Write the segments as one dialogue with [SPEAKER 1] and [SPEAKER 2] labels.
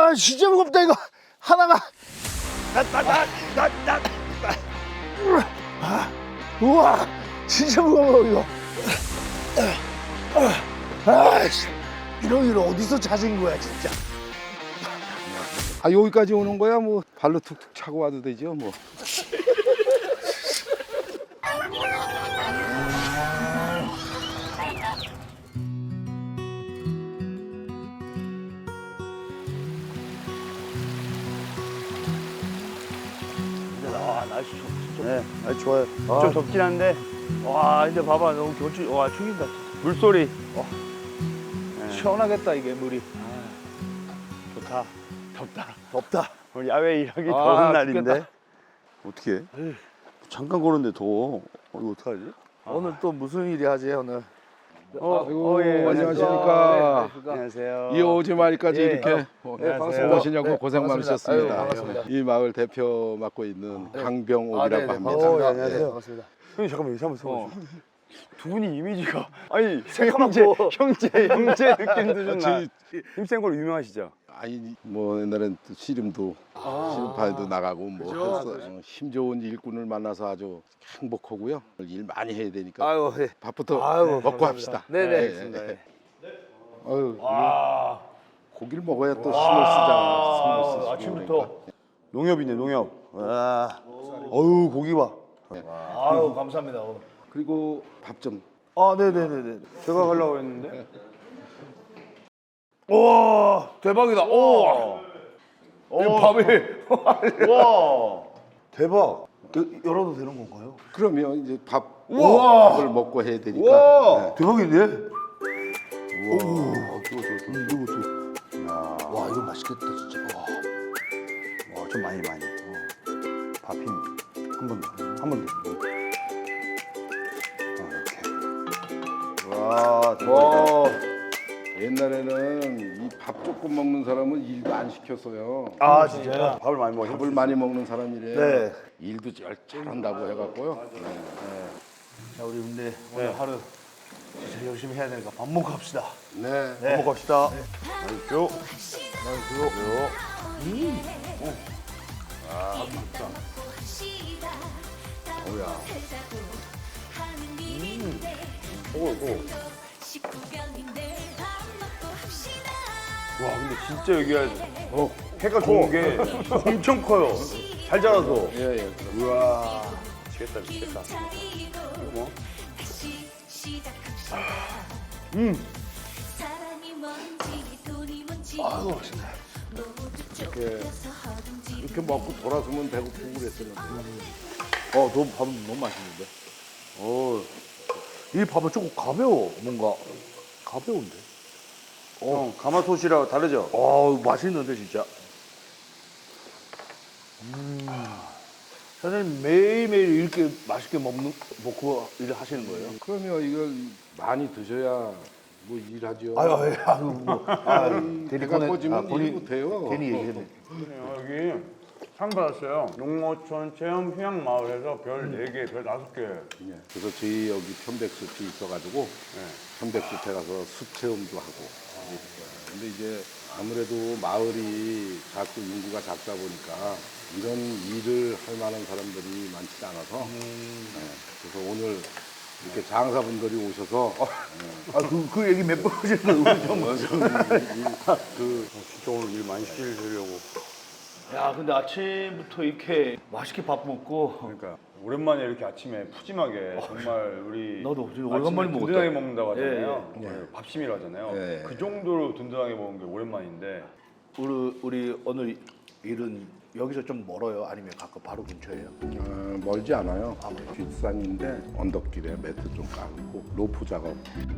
[SPEAKER 1] 와 진짜 무겁다 이거 하나가. 우와 진짜 무거워 이거. 아이씨 이런 일 어디서 찾은 거야 진짜.
[SPEAKER 2] 아 여기까지 오는 거야 뭐 발로 툭툭 차고 와도 되죠 뭐.
[SPEAKER 1] 아 날씨 진짜.
[SPEAKER 3] 네, 아주 좋아요.
[SPEAKER 1] 아.
[SPEAKER 3] 좀 덥긴 한데
[SPEAKER 1] 와 근데 봐봐 너무 경치 와 죽인다.
[SPEAKER 3] 물소리.
[SPEAKER 1] 시원하겠다 이게 물이.
[SPEAKER 3] 좋다.
[SPEAKER 1] 덥다.
[SPEAKER 3] 오늘 야외 일하기
[SPEAKER 1] 아,
[SPEAKER 3] 더운 날인데.
[SPEAKER 1] 죽겠다.
[SPEAKER 3] 어떻게 해? 잠깐 걸었는데 더워. 이거 어떡하지?
[SPEAKER 1] 오늘 또 무슨 일이 하지 오늘?
[SPEAKER 2] 아이고
[SPEAKER 3] 예,
[SPEAKER 2] 안녕하십니까.
[SPEAKER 3] 안녕하세요.
[SPEAKER 2] 이 오지마을까지
[SPEAKER 1] 예.
[SPEAKER 2] 이렇게
[SPEAKER 1] 네, 반갑습니다.
[SPEAKER 2] 오시냐고
[SPEAKER 1] 네,
[SPEAKER 2] 고생
[SPEAKER 1] 반갑습니다.
[SPEAKER 2] 많으셨습니다.
[SPEAKER 1] 아유, 반갑습니다.
[SPEAKER 2] 이 마을 대표 맡고 있는 강병옥이라고
[SPEAKER 1] 네네,
[SPEAKER 2] 합니다.
[SPEAKER 1] 반갑습니다.
[SPEAKER 3] 안녕하세요.
[SPEAKER 1] 네, 반갑습니다.
[SPEAKER 3] 형님 잠깐만요. 잠깐만. 두 분이 이미지가
[SPEAKER 1] 새까맣고.
[SPEAKER 3] 형제 느낌도 좀 나.
[SPEAKER 2] 저희-
[SPEAKER 3] 힘센 걸로 유명하시죠?
[SPEAKER 2] 아니 뭐 옛날엔 또 씨름도 씨름파에도 나가고 뭐 해서 힘 좋은 일꾼을 만나서 아주 행복하고요. 일 많이 해야 되니까
[SPEAKER 1] 아유 예.
[SPEAKER 2] 밥부터
[SPEAKER 1] 아유,
[SPEAKER 2] 먹고
[SPEAKER 1] 감사합니다.
[SPEAKER 2] 합시다.
[SPEAKER 1] 네네.
[SPEAKER 2] 예,
[SPEAKER 1] 알겠습니다.
[SPEAKER 2] 예. 아유 이거 고기를 먹어야 또 힘을 쓰잖아. 힘을 쓰시고
[SPEAKER 1] 아침부터.
[SPEAKER 2] 그러니까.
[SPEAKER 3] 농협이네 농협. 와. 어유 고기 봐.
[SPEAKER 1] 아유 감사합니다.
[SPEAKER 2] 그리고 밥 좀.
[SPEAKER 1] 아 네네네네.
[SPEAKER 3] 제가 가려고 했는데.
[SPEAKER 1] 와 대박이다. 오. 이 밥이.
[SPEAKER 3] 와.
[SPEAKER 1] 대박. 열어도 되는 건가요?
[SPEAKER 2] 그러면 이제
[SPEAKER 1] 우와.
[SPEAKER 2] 밥을 먹고 해야 되니까.
[SPEAKER 3] 우와.
[SPEAKER 2] 네.
[SPEAKER 1] 대박인데?
[SPEAKER 3] 이거.
[SPEAKER 1] 와 이거 맛있겠다 진짜. 와.
[SPEAKER 3] 와, 좀 많이. 밥 힘. 한 번 더. 한 번 더. 이렇게. 와, 대박이다.
[SPEAKER 1] 와.
[SPEAKER 2] 옛날에는 이 밥 조금 먹는 사람은 일도 안 시켰어요.
[SPEAKER 1] 아 진짜요?
[SPEAKER 3] 밥을 많이 먹어.
[SPEAKER 2] 밥을 많이 먹는 사람이래.
[SPEAKER 1] 네.
[SPEAKER 2] 일도 잘한다고 해갖고요.
[SPEAKER 1] 자 우리 근데 오늘 하루 진짜 열심히 해야 되니까 밥 먹고 합시다.
[SPEAKER 2] 네.
[SPEAKER 1] 네.
[SPEAKER 3] 먹고 갑시다. 맛있죠? 와, 근데 진짜 여기가 해가 좋은 게 엄청 커요. 잘 자라서.
[SPEAKER 2] 예, 예.
[SPEAKER 3] 우와. 미치겠다. 이거 뭐?
[SPEAKER 1] 아유 맛있네.
[SPEAKER 2] 이렇게 먹고 돌아서면 배고프고 그랬었는데.
[SPEAKER 1] 너무 밥은 너무 맛있는데. 이 밥은 조금 가벼워 뭔가 가벼운데.
[SPEAKER 3] 형, 가마솥이랑 다르죠?
[SPEAKER 1] 맛있는데 진짜. 사장님 매일매일 이렇게 맛있게 먹고 일을 하시는 거예요?
[SPEAKER 2] 그러면 이걸 많이 드셔야 뭐 일하죠.
[SPEAKER 1] 아유 뭐.
[SPEAKER 2] 배가 꺼지면 일 못해요.
[SPEAKER 1] 괜히 얘기했네.
[SPEAKER 3] 여기 상 받았어요. 농어촌 체험 휴양 마을에서 별 4개, 별 5개.
[SPEAKER 2] 예. 그래서 저희 여기 편백숲이 있어가지고 편백숲에 가서 숲 체험도 하고. 근데 이제 아무래도 마을이 자꾸 인구가 작다 보니까 이런 일을 할 만한 사람들이 많지 않아서 그래서 오늘 이렇게 장사분들이 오셔서
[SPEAKER 1] 그 얘기 몇 번 하셨는데 우리 좀.
[SPEAKER 3] 진짜 오늘 일 많이 시키려고.
[SPEAKER 1] 야 근데 아침부터 이렇게 맛있게 밥 먹고.
[SPEAKER 3] 그러니까 오랜만에 이렇게 아침에 푸짐하게 정말 우리
[SPEAKER 1] 나도 지금
[SPEAKER 3] 아침에
[SPEAKER 1] 오랜만에 먹었다.
[SPEAKER 3] 든든하게 먹는다고 하잖아요.
[SPEAKER 2] 예, 예.
[SPEAKER 3] 오늘 밥심이라 하잖아요.
[SPEAKER 2] 예, 예.
[SPEAKER 3] 그 정도로 든든하게 먹은 게 오랜만인데
[SPEAKER 1] 우리 오늘 일은 여기서 좀 멀어요? 아니면 가끔 바로 근처예요?
[SPEAKER 2] 멀지 않아요. 뒷산인데 언덕길에 매트 좀 깔고 로프 작업.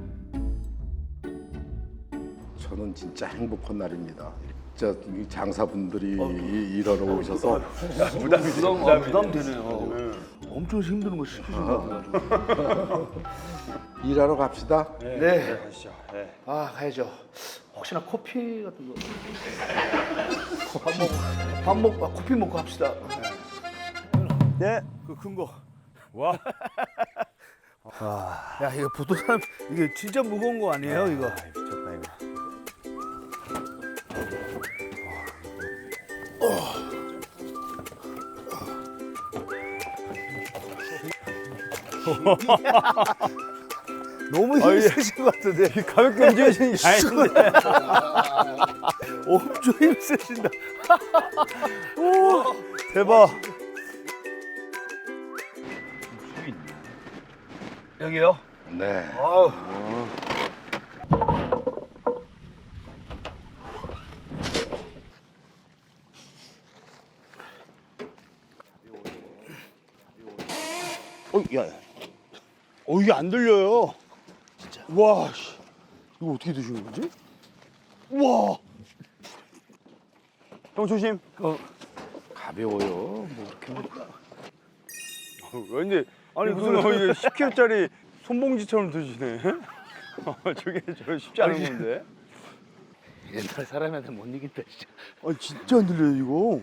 [SPEAKER 2] 저는 진짜 행복한 날입니다. 진짜 이 장사분들이 일하러 오셔서
[SPEAKER 1] 부담되네요. 엄청 힘든 거 시키신 것 같아가지고.
[SPEAKER 2] 일하러 갑시다.
[SPEAKER 1] 네.
[SPEAKER 3] 가시죠. 네.
[SPEAKER 1] 아 가야죠. 혹시나 커피 같은 거. 커피 먹고 합시다.
[SPEAKER 3] 네.
[SPEAKER 1] 그 큰 거.
[SPEAKER 3] 와.
[SPEAKER 1] 야 이거 보통 사람 이게 진짜 무거운 거 아니에요 이거?
[SPEAKER 3] 미쳤다 이거.
[SPEAKER 1] 너무 힘쓰신 것 같은데.
[SPEAKER 3] 가볍게 움직이시는 게 아닌데.
[SPEAKER 1] 엄청 힘쓰신다.
[SPEAKER 3] 오, 대박.
[SPEAKER 1] 여기요?
[SPEAKER 2] 네.
[SPEAKER 1] 아우.
[SPEAKER 3] 야. 이게 안 들려요. 진짜. 와, 씨. 이거 어떻게 드시는 거지? 우와. 형 조심.
[SPEAKER 2] 가벼워요. 뭐 이렇게.
[SPEAKER 3] 왠지 아니 무슨 이게 10kg짜리 손봉지처럼 드시네. 저게 저 쉽지 않은 건데.
[SPEAKER 1] 옛날 사람한테 못 이긴다 진짜.
[SPEAKER 3] 아니 진짜 안 들려요 이거.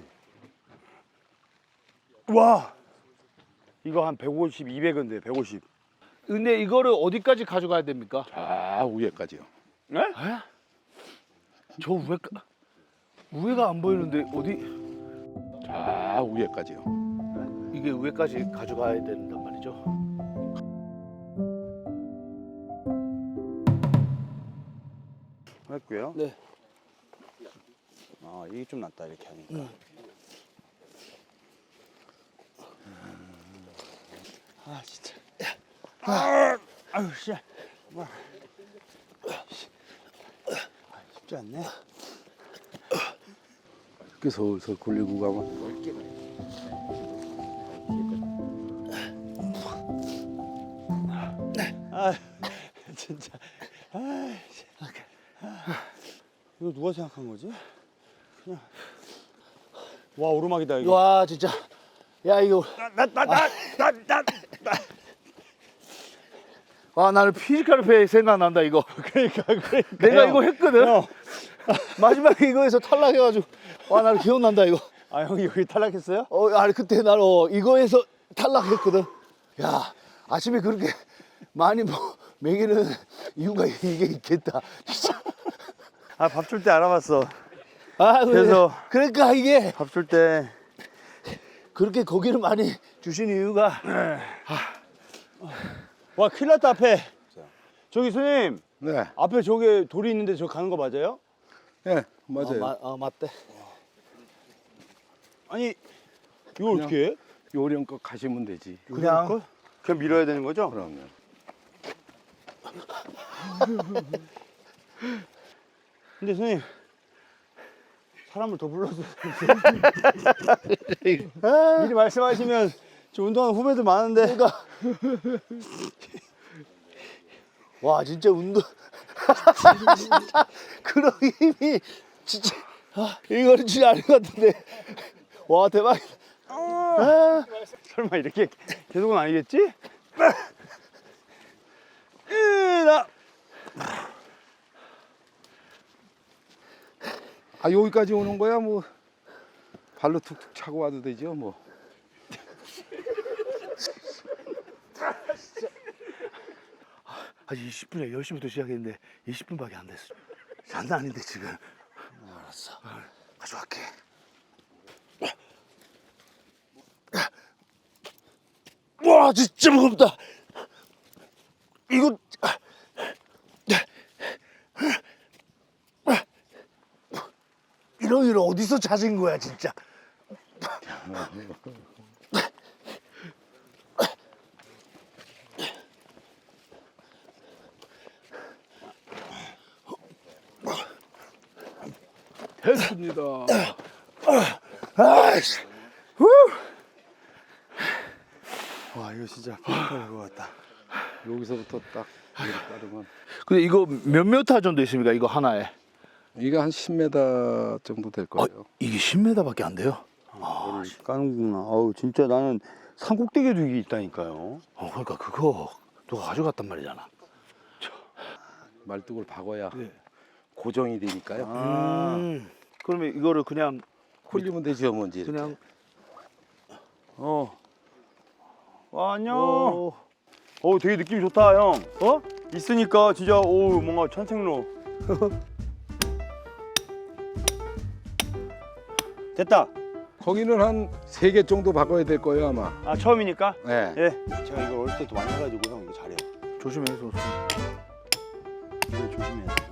[SPEAKER 3] 와. 이거 한 150, 200인데 150.
[SPEAKER 1] 근데 이거를 어디까지 가져가야 됩니까?
[SPEAKER 2] 자, 위에까지요.
[SPEAKER 3] 네?
[SPEAKER 1] 저 위가 안 보이는데 어디?
[SPEAKER 2] 자, 위에까지요.
[SPEAKER 1] 이게 위까지 가져가야 된단 말이죠.
[SPEAKER 3] 했고요.
[SPEAKER 1] 네.
[SPEAKER 3] 아 이게 좀 낫다 이렇게 하니까. 아 진짜. 아유 씨. 쉽지 않네.
[SPEAKER 2] 이렇게 서울서 굴리고 가면.
[SPEAKER 3] 아 진짜. 이거 누가 생각한 거지? 그냥. 와 오르막이다 이거.
[SPEAKER 1] 와 진짜. 야 이거. 와 나는 피지컬 생각난다 이거.
[SPEAKER 3] 그러니까.
[SPEAKER 1] 내가 이거 했거든.
[SPEAKER 3] 형.
[SPEAKER 1] 마지막에 이거에서 탈락해가지고 와 나는 기억난다 이거.
[SPEAKER 3] 아 형이 여기 탈락했어요?
[SPEAKER 1] 아니 그때 난 이거에서 탈락했거든. 야 아침에 그렇게 많이 먹이는 이유가 이게 있겠다. 진짜.
[SPEAKER 3] 아 밥 줄 때 알아봤어.
[SPEAKER 1] 아
[SPEAKER 3] 그래서
[SPEAKER 1] 그러니까 이게
[SPEAKER 3] 밥 줄 때.
[SPEAKER 1] 그렇게 고기를 많이 주신 이유가
[SPEAKER 3] 와 큰일 났다 앞에. 저기 손님
[SPEAKER 2] 네.
[SPEAKER 3] 앞에 저기 돌이 있는데 저 가는 거 맞아요?
[SPEAKER 2] 네, 맞아요.
[SPEAKER 1] 맞대.
[SPEAKER 3] 아니 이거 어떻게 해?
[SPEAKER 2] 요령껏 가시면 되지.
[SPEAKER 3] 그냥 밀어야 되는 거죠?
[SPEAKER 2] 그럼요.
[SPEAKER 3] 근데 손님 사람을 더 불러서 미리 말씀하시면 저 운동하는 후배들 많은데.
[SPEAKER 1] 그러니까 와 진짜 운동 그런 힘이 진짜 이거는 진짜 아닌 것 같은데 와 대박이다.
[SPEAKER 3] 설마 이렇게 계속은 아니겠지?
[SPEAKER 2] 아, 여기까지 오는 거야 뭐 발로 툭툭 차고 와도 되죠 뭐.
[SPEAKER 1] 아직 20분에 10시부터 시작했는데 20분밖에 안 됐어. 장난 아닌데 지금. 알았어. 가져갈게. 와 진짜 무겁다. 이거 이런 일 어디서 찾은 거야 진짜.
[SPEAKER 2] 됐습니다.
[SPEAKER 1] 아이씨.
[SPEAKER 3] 와 이거 진짜 피지컬인 것 같다.
[SPEAKER 2] 여기서부터 딱 이렇게 따르면
[SPEAKER 1] 근데 이거 몇 미터 정도 있습니까? 이거 하나에?
[SPEAKER 2] 이게 한 10m 정도 될 거예요.
[SPEAKER 1] 이게 10m밖에 안 돼요?
[SPEAKER 3] 이거를 까는구나. 아우 진짜 나는 산꼭대기에도 이게 있다니까요.
[SPEAKER 1] 그러니까 그거 누가 가져갔단 말이잖아.
[SPEAKER 2] 말뚝을 박아야 고정이 되니까요.
[SPEAKER 3] 그러면 이거를 그냥
[SPEAKER 2] 홀리면 되죠, 뭔지.
[SPEAKER 1] 그냥
[SPEAKER 3] 와 안녕.
[SPEAKER 1] 오.
[SPEAKER 3] 되게 느낌 좋다 형. 있으니까 진짜 뭔가 천생로. 됐다.
[SPEAKER 2] 거기는 한 3개 정도 박아야 될 거예요 아마.
[SPEAKER 3] 아 처음이니까?
[SPEAKER 2] 네.
[SPEAKER 3] 예. 제가 이걸 어릴 때도 많이 해가지고 형 이거 잘해요. 조심해서. 이거 조심해야 돼.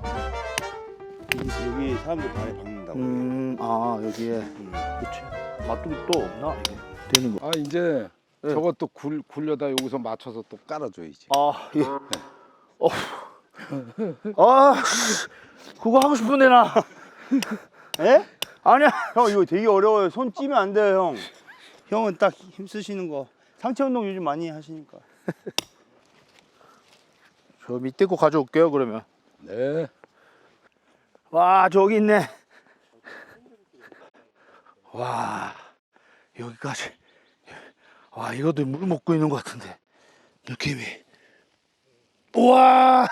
[SPEAKER 3] 여기 사람들 발에 박는다고.
[SPEAKER 1] 아 여기에.
[SPEAKER 3] 그렇지. 맛도 또 없나 이게?
[SPEAKER 1] 되는 거.
[SPEAKER 2] 아 이제
[SPEAKER 1] 네.
[SPEAKER 2] 저것도 굴려다 여기서 맞춰서 또 깔아줘야지.
[SPEAKER 1] 아 예. 아 그거 하고 싶은데 나.
[SPEAKER 3] 예? 아니야. 형 이거 되게 어려워요. 손 찌면 안 돼요 형. 형은 딱 힘 쓰시는 거. 상체 운동 요즘 많이 하시니까.
[SPEAKER 1] 저 밑에 거 가져올게요 그러면.
[SPEAKER 2] 네.
[SPEAKER 1] 와 저기 있네. 와 여기까지. 와 이것도 물 먹고 있는 것 같은데 느낌이. 우와.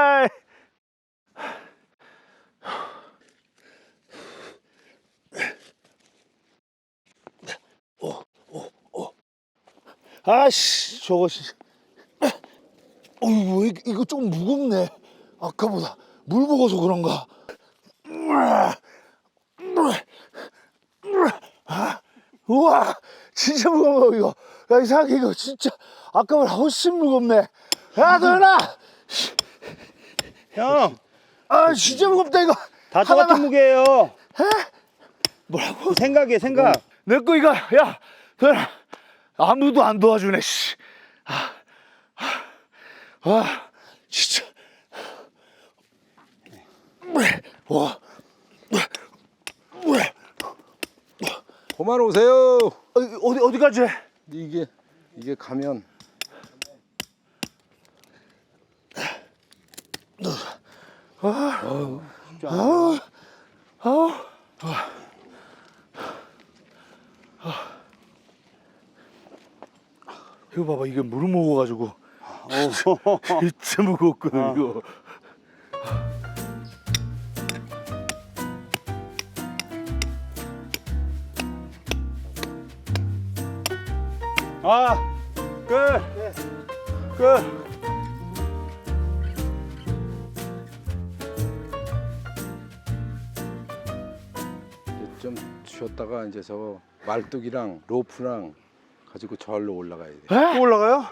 [SPEAKER 1] 아씨 저거 이거 좀 무겁네 아까보다 물 먹어서 그런가. 우와 진짜 무거워 이거. 야 이상하게 이거 진짜 아까보다 훨씬 무겁네. 야 도현아
[SPEAKER 3] 형,
[SPEAKER 1] 아 진짜 무겁다 이거.
[SPEAKER 3] 다 똑같은 무게예요.
[SPEAKER 1] 뭐라고?
[SPEAKER 3] 생각해 생각.
[SPEAKER 1] 내 거 이거 야 도현아 아무도 안 도와주네 씨. 아 진짜. 와.
[SPEAKER 2] 그만 오세요.
[SPEAKER 1] 어디까지 해?
[SPEAKER 2] 이게 가면
[SPEAKER 1] 이거 봐봐 이게 물을 먹어가지고 진짜 무겁거든 이거.
[SPEAKER 3] 아, 끝. 끝.
[SPEAKER 2] 이제 좀 쉬었다가 이제 저 말뚝이랑 로프랑 가지고 절로 올라가야 돼.
[SPEAKER 3] 또 올라가요?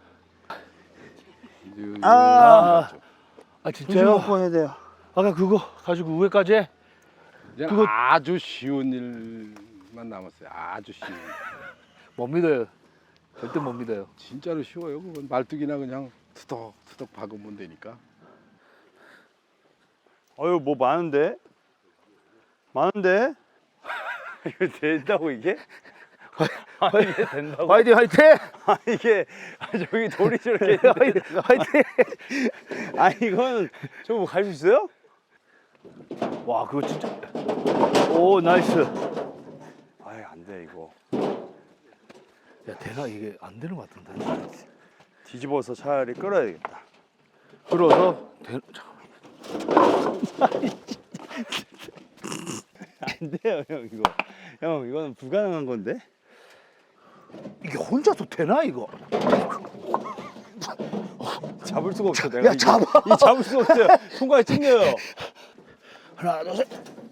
[SPEAKER 1] 아
[SPEAKER 3] 조심
[SPEAKER 1] 진짜요?
[SPEAKER 3] 먹고 해야 돼요.
[SPEAKER 1] 아까 그거 가지고 위에까지 해?
[SPEAKER 2] 이제
[SPEAKER 1] 그거-
[SPEAKER 2] 아주 쉬운 일만 남았어요. 아주 쉬운.
[SPEAKER 1] 못 믿어요. 절대 못 믿어요.
[SPEAKER 2] 진짜로 쉬워요. 그건 말뚝이나 그냥 투덕투덕 박으면 되니까.
[SPEAKER 3] 어유 뭐 많은데? 많은데? 이거 된다고 이게? 아 이게 된다고?
[SPEAKER 1] 화이팅 화이팅!
[SPEAKER 3] 아 이게 저기 돌이 저렇게 있는데.
[SPEAKER 1] 화이팅!
[SPEAKER 3] 아 이건 저거 갈 수 있어요?
[SPEAKER 1] 와 그거 진짜. 오 나이스.
[SPEAKER 3] 아이 안 돼 이거.
[SPEAKER 1] 야 대가 이게 안 되는 것 같은데.
[SPEAKER 3] 뒤집어서 차라리 끌어야겠다.
[SPEAKER 1] 끌어서
[SPEAKER 3] 안 돼요 형 이거. 형 이거는 불가능한 건데?
[SPEAKER 1] 이게 혼자서 되나 이거?
[SPEAKER 3] 잡을 수가 없어 내가.
[SPEAKER 1] 야,
[SPEAKER 3] 이거.
[SPEAKER 1] 잡아.
[SPEAKER 3] 이 잡을 수가 없어요. 손가락이 찡겨요.
[SPEAKER 1] 하나 둘 셋.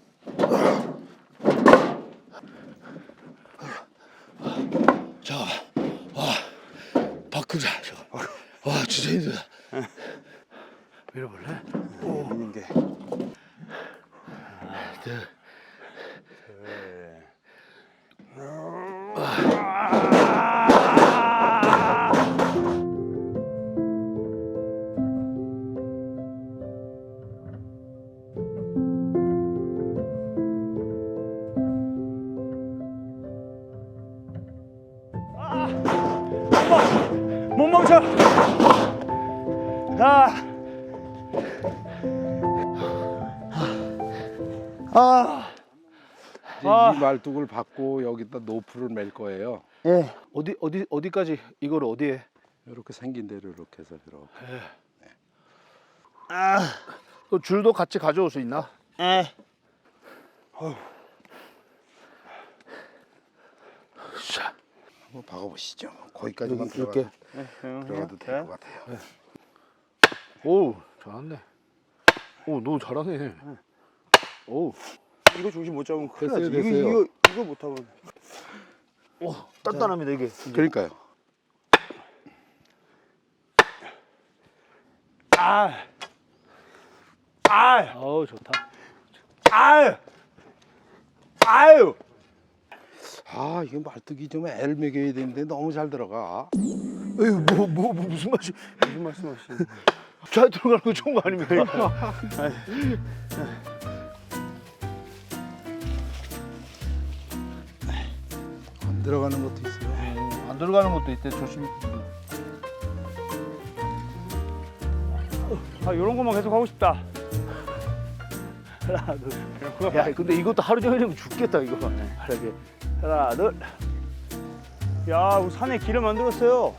[SPEAKER 1] 자, 와 바꾸자 저거. 와 진짜 힘들다. 밀어볼래?
[SPEAKER 3] 있는 게.
[SPEAKER 1] 둘.
[SPEAKER 3] 못 멈춰.
[SPEAKER 2] 이제 이 말뚝을 받고 여기다 노프를 맬 거예요.
[SPEAKER 3] 예.
[SPEAKER 1] 어디까지 이걸 어디에?
[SPEAKER 2] 이렇게 생긴 대로 이렇게 해서 이렇게.
[SPEAKER 1] 그 줄도 같이 가져올 수 있나?
[SPEAKER 3] 예.
[SPEAKER 1] 자,
[SPEAKER 2] 한번 박아보시죠. 거기까지만
[SPEAKER 1] 이렇게.
[SPEAKER 2] 들어가도 될 것 같아요.
[SPEAKER 1] 오 잘하네. 오 너 잘하네. 오.
[SPEAKER 3] 이거 중심 못 잡으면 큰일
[SPEAKER 2] 됐어요,
[SPEAKER 3] 나지.
[SPEAKER 2] 됐어요.
[SPEAKER 3] 이거 못하면.
[SPEAKER 1] 오, 단단합니다 이게.
[SPEAKER 2] 그러니까요.
[SPEAKER 1] 어우 좋다.
[SPEAKER 3] 아유.
[SPEAKER 2] 아, 이거 말뚝이 좀 엘 먹여야 되는데 너무 잘 들어가.
[SPEAKER 1] 에휴 뭐 무슨 맛이?
[SPEAKER 3] 무슨 말씀하시는?
[SPEAKER 1] 잘 들어가는 거 좋은 거 아닙니까?
[SPEAKER 2] 안 들어가는 것도 있어요.
[SPEAKER 1] 안 들어가는 것도 있대 조심.
[SPEAKER 3] 아, 이런 것만 계속 하고 싶다.
[SPEAKER 1] 하나 둘. 야 근데 이것도 하루 종일이면 죽겠다 이거. 하라게. 하나 둘.
[SPEAKER 3] 야, 우리 산에 길을 만들었어요.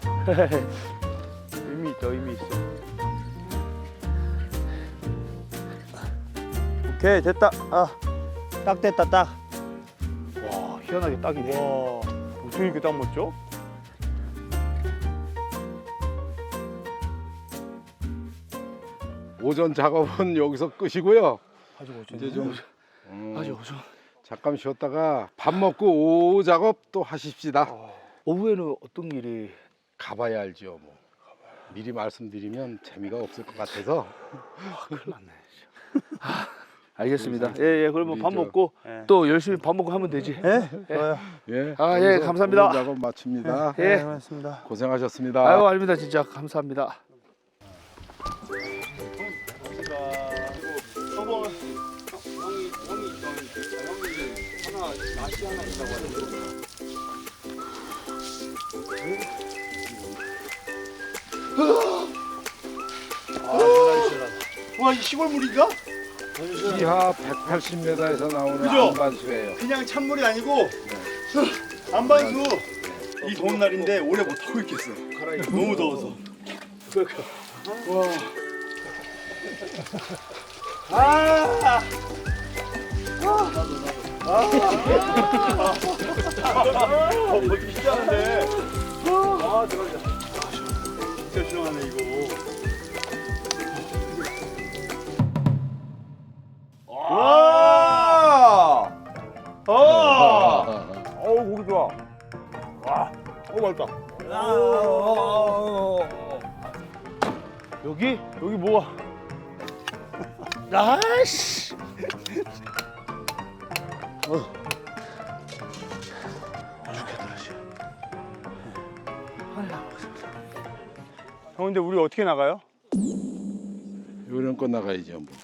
[SPEAKER 3] 의미 있다, 의미 있어. 오케이, 됐다. 딱 됐다, 딱.
[SPEAKER 1] 와 희한하게 딱이네.
[SPEAKER 3] 와, 어떻게 이렇게 딱 맞죠?
[SPEAKER 2] 오전 작업은 여기서 끝이고요.
[SPEAKER 3] 아주 멋져.
[SPEAKER 2] 이제 좀
[SPEAKER 1] 아주 어서.
[SPEAKER 2] 잠깐 쉬었다가 밥 먹고 오후 작업 또 하십시다.
[SPEAKER 1] 오후에는 어떤 일이?
[SPEAKER 2] 가봐야 알죠. 뭐 미리 말씀드리면 재미가 없을 것 같아서.
[SPEAKER 1] 큰일 났네. 알겠습니다. 예, 그러면
[SPEAKER 2] 우리
[SPEAKER 1] 밥
[SPEAKER 2] 저-
[SPEAKER 1] 먹고
[SPEAKER 3] 예.
[SPEAKER 1] 또 열심히 밥 먹고 하면 되지.
[SPEAKER 3] 예? 좋아요.
[SPEAKER 2] 예.
[SPEAKER 1] 아, 예,
[SPEAKER 2] 여기서
[SPEAKER 1] 감사합니다.
[SPEAKER 2] 오늘 작업 마칩니다.
[SPEAKER 1] 예.
[SPEAKER 3] 고맙습니다.
[SPEAKER 2] 고생하셨습니다.
[SPEAKER 1] 아유, 아닙니다. 진짜 감사합니다.
[SPEAKER 3] 와, 이 시골물인가?
[SPEAKER 2] 지하 180m에서 나오는
[SPEAKER 3] 그죠?
[SPEAKER 2] 안반수예요.
[SPEAKER 3] 그냥 찬물이 아니고 안반수. 이 더운 날인데 오래 못 하고 있겠어. 너무 더워서. 진짜인데. 아, 대박이다. 진짜 시원하네 이거. 와! 어우, 고기 좋아. 와, 맛있다.
[SPEAKER 1] 여기?
[SPEAKER 3] 여기 뭐가?
[SPEAKER 1] 아씨.
[SPEAKER 3] 형, 근데 우리 어떻게 나가요?
[SPEAKER 2] 요런 거 나가야죠. 뭐.